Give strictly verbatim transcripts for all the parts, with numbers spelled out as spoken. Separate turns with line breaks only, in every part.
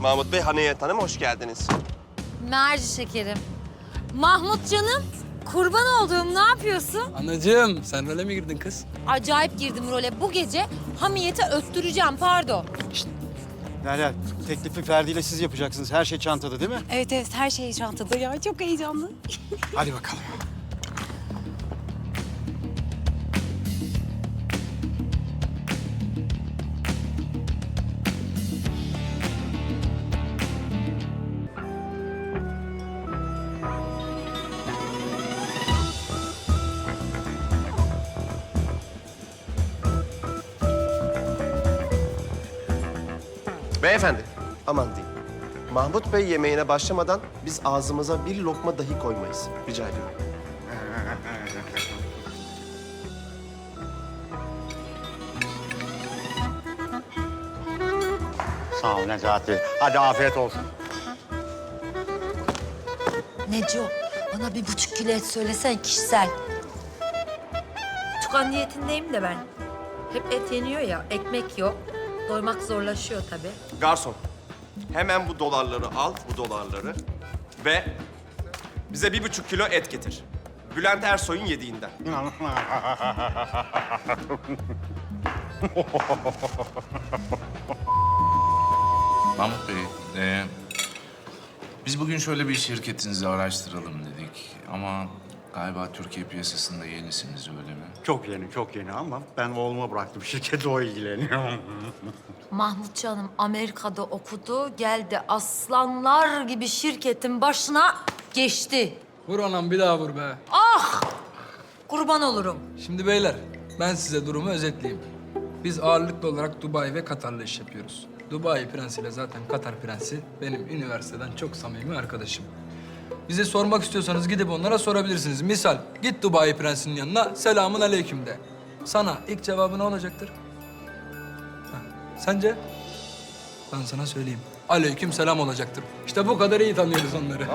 Mahmut Bey, Haniyet Hanım hoş geldiniz.
Merci şekerim. Mahmut canım, kurban olduğum ne yapıyorsun?
Anacığım, sen role mi girdin kız?
Acayip girdim role. Bu gece Hamiyet'e öttüreceğim, pardon.
Derya, teklifi Ferdi ile siz yapacaksınız. Her şey çantada değil mi?
Evet evet her şey çantada ya. Çok heyecanlı.
Hadi bakalım.
Beyefendi, aman diyeyim. Mahmut Bey yemeğine başlamadan biz ağzımıza bir lokma dahi koymayız. Rica ediyorum.
Sağ ol Necati. Hadi afiyet olsun.
Neco, bana bir buçuk kilo et söylesen kişisel. Tukan niyetindeyim de ben. Hep et yeniyor ya, ekmek yok. Doymak zorlaşıyor tabii.
Garson, hemen bu dolarları al, bu dolarları. Ve bize bir buçuk kilo et getir. Bülent Ersoy'un yediğinden.
Mahmut Bey, e, biz bugün şöyle bir şirketinizi araştıralım dedik. Ama galiba Türkiye piyasasında yenisiniz, öyle mi?
Çok yeni, çok yeni ama ben oğluma bıraktım. Şirketi o ilgileniyor.
Mahmut canım Amerika'da okudu, geldi aslanlar gibi şirketin başına geçti.
Vur anam, bir daha vur be.
Kurban olurum.
Şimdi beyler, ben size durumu özetleyeyim. Biz ağırlıklı olarak Dubai ve Katar'la iş yapıyoruz. Dubai prensiyle zaten Katar prensi benim üniversiteden çok samimi arkadaşım. Bize sormak istiyorsanız gidip onlara sorabilirsiniz. Misal, git Dubai prensinin yanına, selamun aleyküm de. Sana ilk cevabı ne olacaktır? Ha, sence? Ben sana söyleyeyim. Aleyküm selam olacaktır. İşte bu kadar iyi tanıyoruz onları.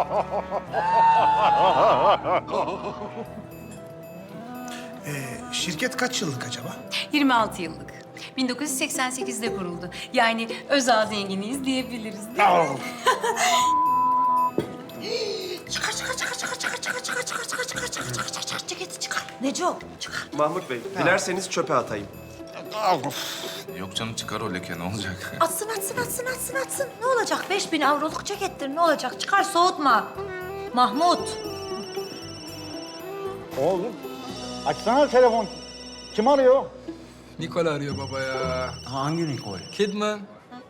Şirket kaç yıllık acaba?
yirmi altı yıllık. bin dokuz yüz seksen sekizde kuruldu. Yani özel zenginiyiz diyebiliriz değil mi?
Çıkar, çıkar, çıkar, çıkar, çıkar, çıkar, çıkar, çıkar, çıkar, çıkar, çıkar, çıkar, çıkar, çıkar, ceketi çıkar. Neco, çıkar.
Mahmut Bey, dilerseniz çöpe atayım.
Yok canım, çıkar o leke, ne olacak?
Atsın, atsın, atsın, atsın, atsın. Ne olacak? Beş bin avroluk cekettir, ne olacak? Çıkar, soğutma. Mahmut.
Oğlum, açsana telefon. Kim arıyor?
Nikola arıyor baba ya.
Hangi Nikol?
Kidman.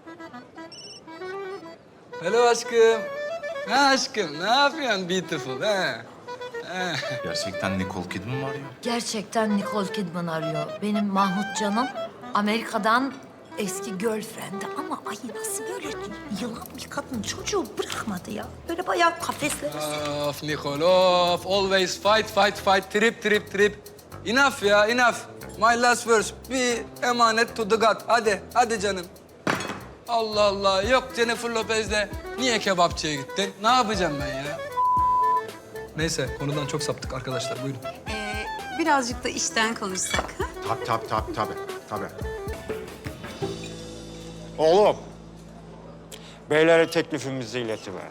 Hello aşkım. Ha aşkım, ne yapıyorsun beautiful ha? Ha.
Gerçekten Nicole Kidman mı arıyor?
Gerçekten Nicole Kidman arıyor. Benim Mahmut canım Amerika'dan eski girlfriend'i ama ay nasıl böyle yılan bir kadın çocuğu bırakmadı ya. Böyle bayağı kafeslere
Of Nicole, of. Always fight, fight, fight. Trip, trip, trip. Enough ya, enough. My last verse. Bir emanet to the God. Hadi, hadi canım. Allah Allah. Yok Jennifer Lopez'le niye kebapçıya gittin? Ne yapacağım ben ya? Neyse, konudan çok saptık arkadaşlar. Buyurun.
Ee, birazcık da işten konuşsak. Ha?
Tabii, tabii, tabii, tabii, tabii. Oğlum, beylere teklifimizi iletiver.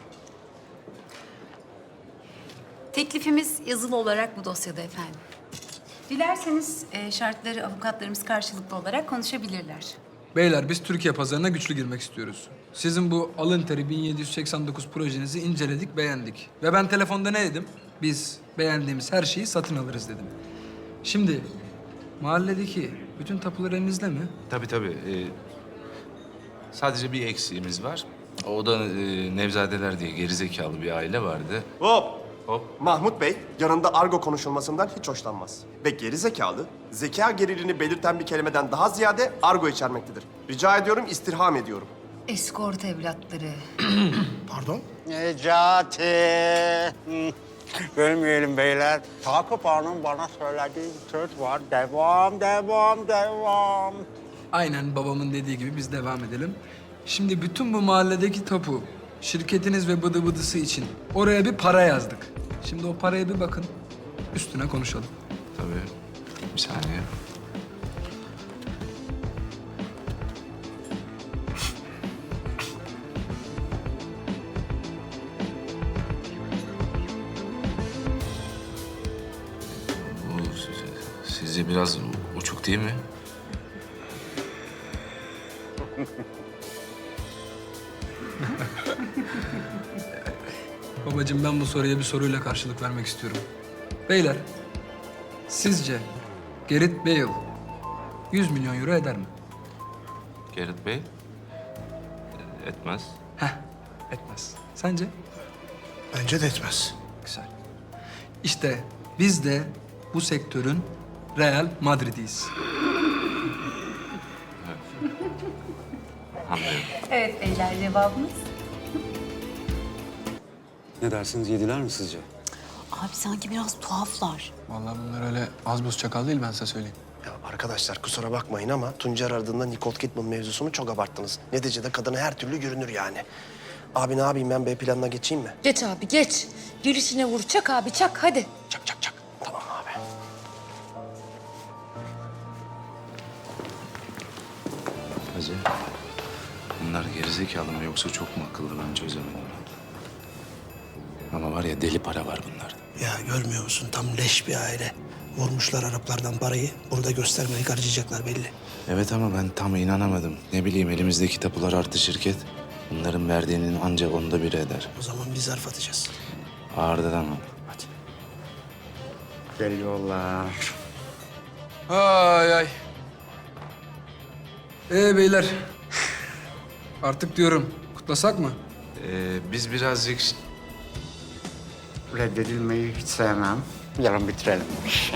Teklifimiz yazılı olarak bu dosyada efendim. Dilerseniz e, şartları avukatlarımız karşılıklı olarak konuşabilirler.
Beyler, biz Türkiye pazarına güçlü girmek istiyoruz. Sizin bu alın teri bin yedi yüz seksen dokuz projenizi inceledik, beğendik. Ve ben telefonda ne dedim? Biz beğendiğimiz her şeyi satın alırız dedim. Şimdi mahalledeki bütün tapular elinizde mi?
Tabii tabii. e, sadece bir eksiğimiz var. O da e, Nevzadeler diye gerizekalı bir aile vardı.
Hop!
Hop.
Mahmut Bey, yanında argo konuşulmasından hiç hoşlanmaz. Ve geri zekalı, zeka geriliğini belirten bir kelimeden daha ziyade argo içermektedir. Rica ediyorum, istirham ediyorum.
eskort evlatları.
Pardon?
Necati. Hı. Bölmeyelim beyler. Takip Hanım bana söylediği bir söz var. Devam, devam, devam.
Aynen babamın dediği gibi biz devam edelim. Şimdi bütün bu mahalledeki tapu, şirketiniz ve bıdı bıdısı için oraya bir para yazdık. Şimdi o paraya bir bakın, üstüne konuşalım.
Tabii. Bir saniye. Sizce biraz uçuk değil mi?
Babacığım ben bu soruya bir soruyla karşılık vermek istiyorum. Beyler, sizce Gareth Bale yüz milyon euro eder mi?
Gareth Bey? Etmez.
Heh, etmez. Sence?
Bence de etmez.
Güzel. İşte biz de bu sektörün Real Madrid'iyiz.
Anlıyorum.
Evet beyler, cevabımız.
Ne dersiniz, yediler mi sizce?
Abi sanki biraz tuhaflar.
Vallahi bunlar öyle az buz çakal değil ben size söyleyeyim.
Ya arkadaşlar kusura bakmayın ama Tuncer aradığında Nicole Kidman mevzusunu çok abarttınız. Neticede kadına her türlü görünür yani. Abi ne yapayım ben B planına geçeyim mi?
Geç abi geç. Gelişine vur. Çak abi çak hadi.
Çak çak çak. Tamam abi.
Hacı, bunlar gerizekalı mı yoksa çok mu akıllı ben çözemedim. Ama var ya deli para var bunlarda.
Ya görmüyor musun tam leş bir aile. Vurmuşlar Araplardan parayı. Bunu da göstermeyi harcayacaklar belli.
Evet ama ben tam inanamadım. Ne bileyim elimizdeki tapular artı şirket. Bunların verdiğinin ancak onda biri eder.
O zaman biz zarf atacağız.
Ağırdan ama.
Hadi.
Geliyorlar.
Ay ay. Ee beyler. Artık diyorum kutlasak mı?
Ee, biz birazcık
Reddedilmeyi hiç sevmem. Yarın bitirelim bu işi.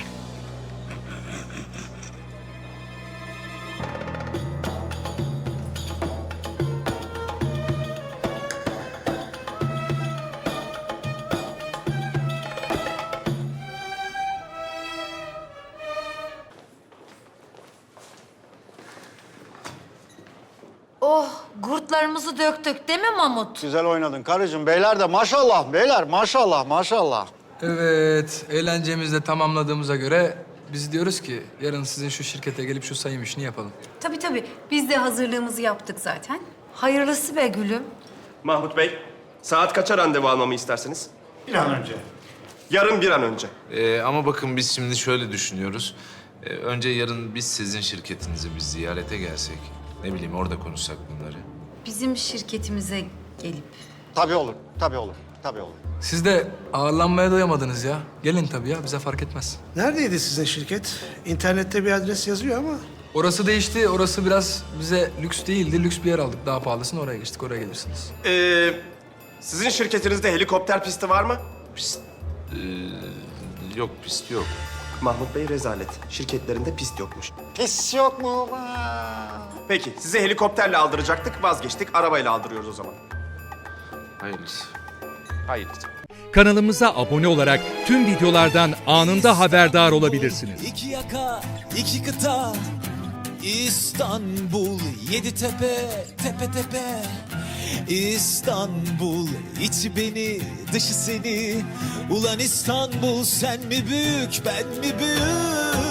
Oh gurtlarımızı döktük değil mi Mahmut?
Güzel oynadın karıcığım. Beyler de maşallah beyler maşallah maşallah.
Evet, eğlencemizi de tamamladığımıza göre biz diyoruz ki yarın sizin şu şirkete gelip şu sayım işini yapalım.
Tabii tabii, biz de hazırlığımızı yaptık zaten.
Hayırlısı be gülüm.
Mahmut Bey, saat kaça randevu almamı istersiniz?
Bir an önce.
Yarın bir an önce.
Ee, ama bakın biz şimdi şöyle düşünüyoruz. Ee, önce yarın biz sizin şirketinizi bir ziyarete gelsek. Ne bileyim orada konuşsak bunları.
Bizim şirketimize gelip
Tabii olur, tabii olur, tabii olur.
Siz de ağırlanmaya doyamadınız ya. Gelin tabii ya, bize fark etmez.
Neredeydi sizin şirket? İnternette bir adres yazıyor ama.
Orası değişti, orası biraz bize lüks değildi. Lüks bir yer aldık, daha pahalısını oraya geçtik, oraya gelirsiniz.
Ee, sizin şirketinizde helikopter pisti var mı?
Ee, yok pist yok.
Mahmut Bey rezalet. Şirketlerinde pist yokmuş.
Pis yok mu?
Peki, sizi helikopterle aldıracaktık, vazgeçtik. Arabayla aldırıyoruz o zaman.
Hayırlısı.
Hayır.
Kanalımıza abone olarak tüm videolardan anında haberdar olabilirsiniz.
İki yaka, iki kıta, İstanbul, yedi tepe, tepe tepe. İstanbul, içi beni, dışı seni. Ulan İstanbul, sen mi büyük, ben mi büyük?